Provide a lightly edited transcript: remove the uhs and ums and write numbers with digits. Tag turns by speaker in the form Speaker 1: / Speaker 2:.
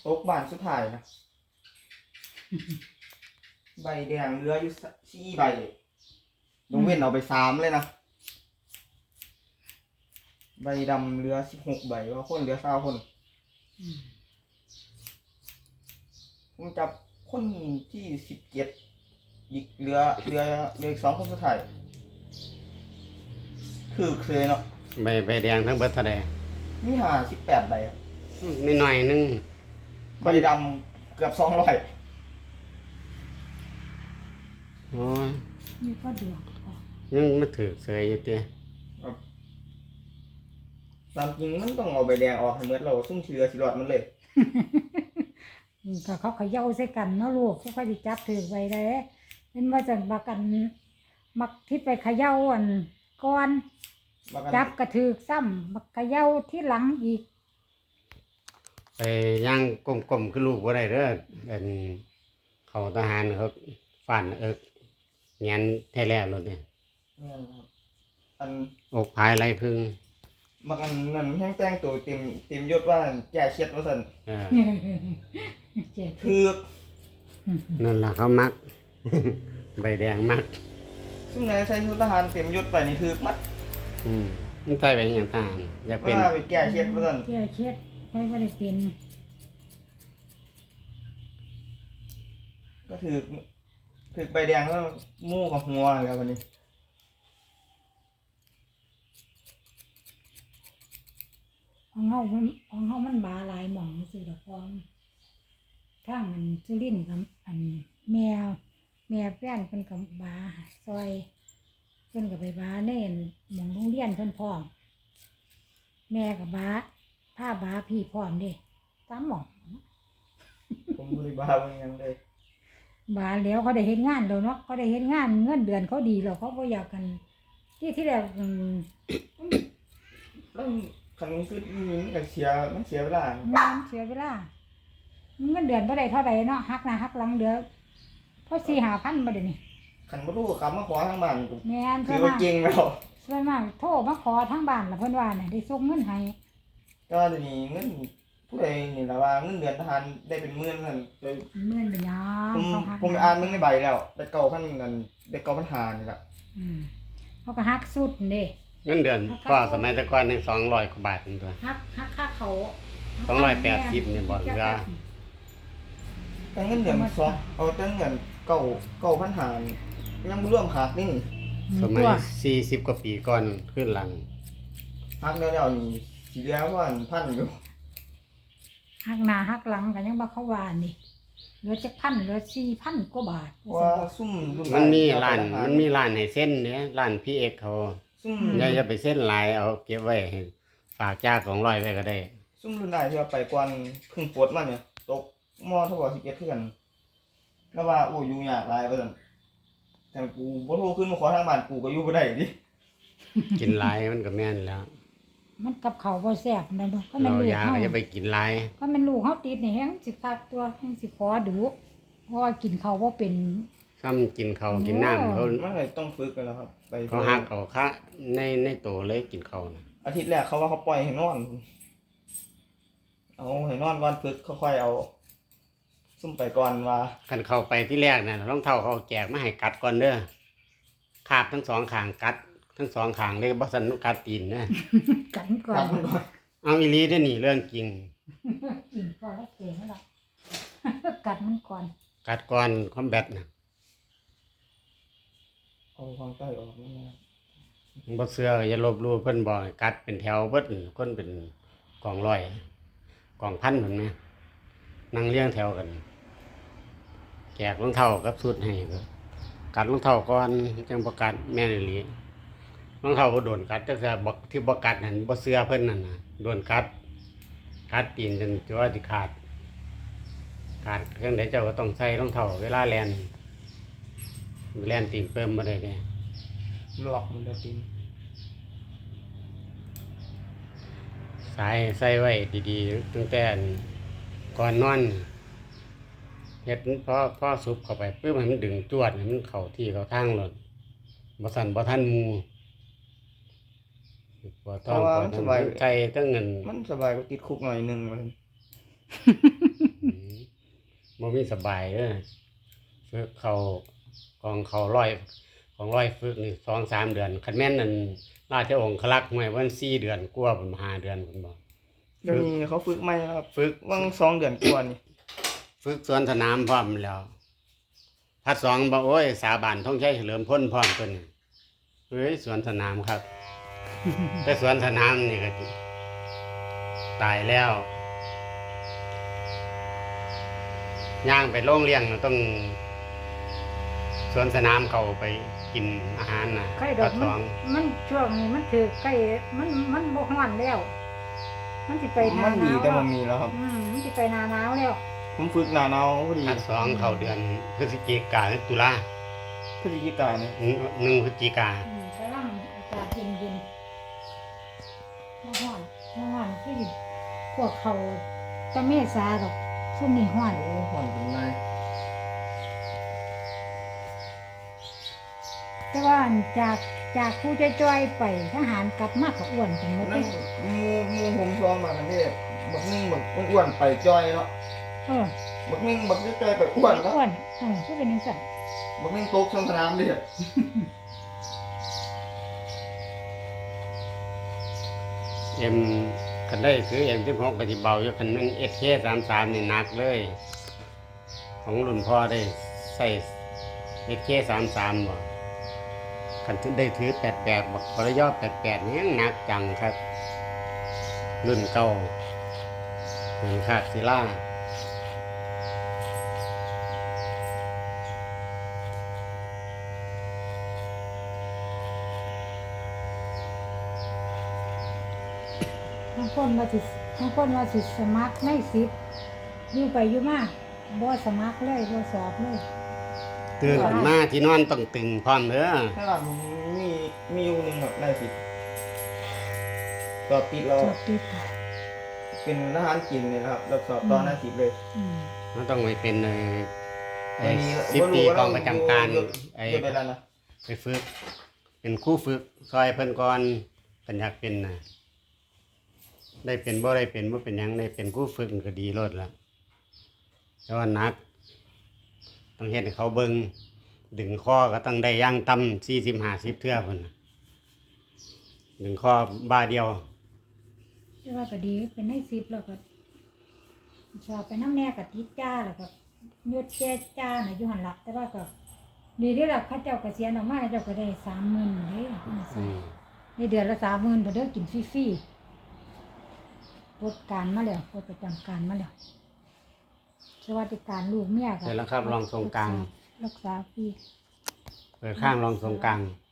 Speaker 1: ตกบ้านสุดท้ายนะใบแดงเหลืออยู่4 ใบยกเว้นเอาไป3เลยนะใบดำเหลือ16 ใบว่าคนเหลือ20 คนผมจับคนที่17อีกเหลืออีก2 คนสุดท้ายคือเคยเนาะ
Speaker 2: ใบแดงทั้งเบิดเท่าใด
Speaker 1: มี58 ใบครับ
Speaker 2: ไม่น้อยนึง
Speaker 1: ใบดำเกือบ200
Speaker 2: โอ้ย
Speaker 3: นี่ก็ดวง
Speaker 2: ยังมาถือเสยอยู่ติ
Speaker 1: ตามจริงมันต้องเอาใบแดงออกให้หมดเราซุ่มเชือสิรอดมันเลย
Speaker 3: ก็เขาเขย่าใส่กันเนาะลูกเขาค่อยสิจับถือไว้ได้เป็นว่าจังบักกันมักที่ไปเขย่าอันก่อนจับกระถือซ้ำมักเขย่าที่หลังอีก
Speaker 2: ไปย่างกลมๆคือลูกบ่ได้เด้อเป็นเขาทหารเขาฟันเงียนแท้แล้วรถเนี่ย
Speaker 1: อัน
Speaker 2: อกภายไรพึ่ง
Speaker 1: บางอันนั่นแห้งแต่งตัวเต็มยศว่าแก่เช็ดว่าซั่นคือ
Speaker 2: นั่นล่ะเขามักใบแดงมัก
Speaker 1: ซึ่งในใส่ชุดทหารเต็มยศไปนี่คือมัด
Speaker 2: มันใส่ไปอย่างต่างอยากเป็น
Speaker 1: ว่าไปแก่เช็ดว่าซั่น
Speaker 3: แก่เช็ดไม่ได้เป็น
Speaker 1: ก็ถือใบแดงแล้วมู่กับหัวแล้ววันนี้
Speaker 3: ของเฮามันบาหลายหม่องสิดอกพองทางมันสุรินทร์กับอันแม่แฟนเพิ่นก็บาซอยเพิ่นก็ไปบาเน่นหม่องโรงเรียนเพิ่นพร้อมแม่ก็บาผ้าบาพี่พร้อมเด้3หม่อง
Speaker 1: ผมบ่ได้บาเบิ่งหยังเลย
Speaker 3: บาแล้วเขาได้เฮ็ดงานแล้วเนาะเขาได้เฮ็ดงานเงินเดือนเขาดีแล้วเขาบ่อยากกันที่แรก
Speaker 1: แล้วคันคือมันก็มันเสียเวลา
Speaker 3: เสียเวลาเงินเดือนบ่ได้เท่าใดเนาะหักหน้าหักหลังเดือนพอ 4-5,000 บ่ได้นี่
Speaker 1: คันบ่รู้กลับมาขอทางบ้าน
Speaker 3: แม่น
Speaker 1: ถือว่าเก่งแล้ว
Speaker 3: ส่วนมากโทรมาขอทางบ้านล่ะเพิ่นว่าน่ะได้ส่งเงินให้
Speaker 1: ก็เดี๋ยวนี้เงินผู้ใดนี่ล่ะว่าเงินเดือนทหารได้เป็นหมื่นนั่น
Speaker 3: หมื่นเป็นหยัง
Speaker 1: ผมอ่านมึงในใบแล้วได้9,000นั่นได้9,500นี่ล่ะ
Speaker 3: เขาก็หักสุดเด้
Speaker 2: เงินเดือนก็สมัยแต่ก่อนนี่200 กว่าบาทนึงตัว
Speaker 3: หักค่าเขา
Speaker 2: 280นี่บ่เหลือ
Speaker 1: แต่เงินเดือนเอาแต่เงิน9,500ยังบ่รวมหักนี่
Speaker 2: สมัย40 กว่าปีก่อนขึ้นหลัง
Speaker 1: หักแล้วนี่สิเหลือว่า1,000อยู่
Speaker 3: หักหน้าหักหลังก็ยังบ่เข้าว่านี่เหลือจักพันเหลือ 4,000 กว่าบาท
Speaker 1: ว่าซุ่ม
Speaker 2: มันมีร้านให้เส้นเนี่ยร้านพี่เอกเขาอย่าไปเส้นหลายเอาเก็บไว้ให้ฝากจ้า200ไว้ก็ได้
Speaker 1: ซุ่มรุ่นได้ที่ว่าไปก่อนเพิ่งปลดมาเนี่ยตกมเท่ากับ11คือกันแล้วว่าโอ้ยุ่งยากหลายว่าซั่นแต่กูบ่โทรขึ้นมาขอทางบ้านกูก็อยู่บ่ได้ดิ
Speaker 2: กินหลายมันก็แม่นแล้ว
Speaker 3: มันกับข้าวบ่แซ่บนั่นบ่ก็มันลูก
Speaker 2: เฮาอย่าไปกินหลาย
Speaker 3: ก็มันลูกเฮาติดนี่แฮงสิคักตัวแฮงสิขอดูเพราะว่ากินข้าวบ่เป็น
Speaker 2: ซ้ำกินข้าวกินน้ำเขา
Speaker 1: มันก็ต้องฝึกกันแล้วครับไป
Speaker 2: เขาหักเอาคะในโตเลยกินข้าวน่ะ
Speaker 1: อาทิตย์แรกเขาว่าเขาปล่อยให้นอนเอาให้นอนก่อนฝึกค่อยๆเอาซุ่มไปก่อนว่า
Speaker 2: คันเข้าไปที่แรกน่ะรองเท้าเขาแจกมาให้กัดก่อนเด้อคาบทั้ง2ข้างกัดทั้ง2ข้างเลยบ่ซั่นกัดตีนนะ
Speaker 3: กัดก่อน
Speaker 2: เอาอีหลีเด้อนี่เรื่องจริง
Speaker 3: กินก่อนแล้วเก่งแล้วกัดมันก่อน
Speaker 2: กัดก่อนคอมแบทน่ะ
Speaker 1: เอาความใต้ออกนั่นนะ
Speaker 2: บ่เชื่ออย่าลบหลู่เพิ่นบอกกัดเป็นแถวเบิดคนเป็นกองร้อยกองพันพุ่นแม่นั่งเรียงแถวกันแจกรองเท้ากับชุดให้กัดรองเท้าก่อนจังบ่กัดแม่นอีหลีรองเท้าบ่โดนกัดแต่บ่ที่บ่กัดนั่นบ่เชื่อเพิ่นนั่นน่ะโดนกัดตีนจนจะว่าสิขาดเครื่องใดเจ้าก็ต้องใส่รองเท้าเวลาแล่นตีนเพิ่มบ่ได้เด้
Speaker 1: หลอกมันจะตีน
Speaker 2: สายใส่ไว้ดีๆตั้งแต่ก่อนนอนเฮ็ดพอสุบเข้าไปปึ๊บให้มันดึงจวดให้มันเข้าที่เข้าทางรถบ่สั่นบ่ทันหมู่บ่ต้อง
Speaker 1: ใจ
Speaker 2: ตั้งเงิน
Speaker 1: มันสบายกว่าติดคุกหน่อยนึงมัน
Speaker 2: บ่มีสบายเด้อฝึกเขากองเขาร้อยของร้อยฝึกนี่2-3 เดือนคันแม่นนั่นราชองครักษ์ห้วยวัน4 เดือนกว่าพุ่น5 เดือนพุ่นบ่
Speaker 1: เดี๋ยวนี้เขาฝึกใหม่แล้วครับ
Speaker 2: ฝึก
Speaker 1: วัง2 เดือนกว่านี่
Speaker 2: ฝึกสวนสนามพร้อมแล้วพัดสองบอกโอ้ยสาบานท่องใช้เฉลิมพ้นพร้อมตัวนี้เฮ้ยสวนสนามครับ แต่สวนสนามนี่ก็ตายแล้วย่างไปโรงเลี้ยงต้องสวนสนามเขาไปกินอาหารนะ
Speaker 3: ไข่ดอก
Speaker 2: พัดสอง
Speaker 3: มันช่วงนี้มันถือไข่มันบ่ฮ้อนแล้ว มันสิไปหน้า
Speaker 1: มัน
Speaker 3: ห
Speaker 1: ดี
Speaker 3: นาว
Speaker 1: แต่มันมีแล้วครับ
Speaker 3: มันสิไปหน้าหนาวแล้ว
Speaker 1: ผมฝึกหน้าหนาวพอดี
Speaker 2: พัดสองเขาเดือนพฤศจิกาหรือตุลา
Speaker 1: พฤศจิกายนนี่
Speaker 2: 1 พฤศจิกา
Speaker 3: กำลังอากาศเย็นๆบ่ฮ้อนคือพวกเขาตะเมษาดอกซุ่มนี่ฮ้อน
Speaker 1: โอ้ผ่อนเป็นไร
Speaker 3: แต่ว่าจากผู้จ้อยๆไปทหารกลับมาก็อ้วนกันหมดเล
Speaker 1: นั่
Speaker 3: ย
Speaker 1: นมูผมซ้อมมากันนี่บักนึงบักอ้วนไปจอยเนาะ
Speaker 3: เออ
Speaker 1: บักนึงบักจอยไปอ้วนแล้ว
Speaker 3: อ้วนคือเป็นจังซั่น
Speaker 1: บักนึงตกสนามดิ
Speaker 2: เอ็มคันได้คือM16ก็สิเบาอยู่คันนึง SK33นี่หนักเลย ของรุ่นพ่อได้ใส่ SK33บ่คันถึงได้ถือ88บักปรยอ88นี่ยังหนักจังครับ รุ่นเก่ารุ่นคาดศิลา
Speaker 3: บางคนว่าสิสมัครใน10อยู่ไปอยู่มาบ่สมัครเลยบ่สอบเลย
Speaker 2: ตื่นขึ้นมาที่นอนต้องตึงพร้อมเด้อ
Speaker 1: ถ้าหลังมีอยู่หนึงแบบได้สิสอบติดเรา
Speaker 3: สอบติดค่ะ
Speaker 1: เป็นทหารกินเนี่ยนะครับแล้วสอบตอนหน้า10เลย
Speaker 3: อืม
Speaker 2: มันต้องไปเป็นไอ้
Speaker 1: วันนี้
Speaker 2: 10 ปีกองประจำการ
Speaker 1: อยู่
Speaker 2: ไอ้
Speaker 1: อยู่ไปแล้วนะ
Speaker 2: ไปฝึก เป็นครู่ฝึกซอยเพิ่นก่อนเพิ่นอยากเป็นน่ะได้เป็นบ่ได้เป็นบ่เป็นหยังได้เป็นครู่ฝึกก็ดีโลดละแต่ว่าหนัก ต้องเฮ็ดให้เขาเบิ่งดึงคอก็ต้องได้อย่างต่ำ40-50 เทื่อพุ่นน่ะดึงคอบ้าเดียว
Speaker 3: แต่ว่าก็ดีเป็นใน10แล้วก็สอบไปน้ำแน่ก็ติดจ้าแล้วก็ยศแก่จ้าน่ะอยู่หั่นล่ะแต่ว่าก็ดีเด้อล่ะเขาเจ้าเกษียณออกมาเจ้าก็ได้ 30,000เด้ในเดือนละ 30,000บ่เด้อกินฟรีๆปลดการมาแล้วปลดประจำการมาแล้วสวัสดิการลูกเมียก็
Speaker 2: เสร็จแล้วครับรองทรงกลาง
Speaker 3: รักษาฟรี
Speaker 2: เปิดข้างรองทรงกลาง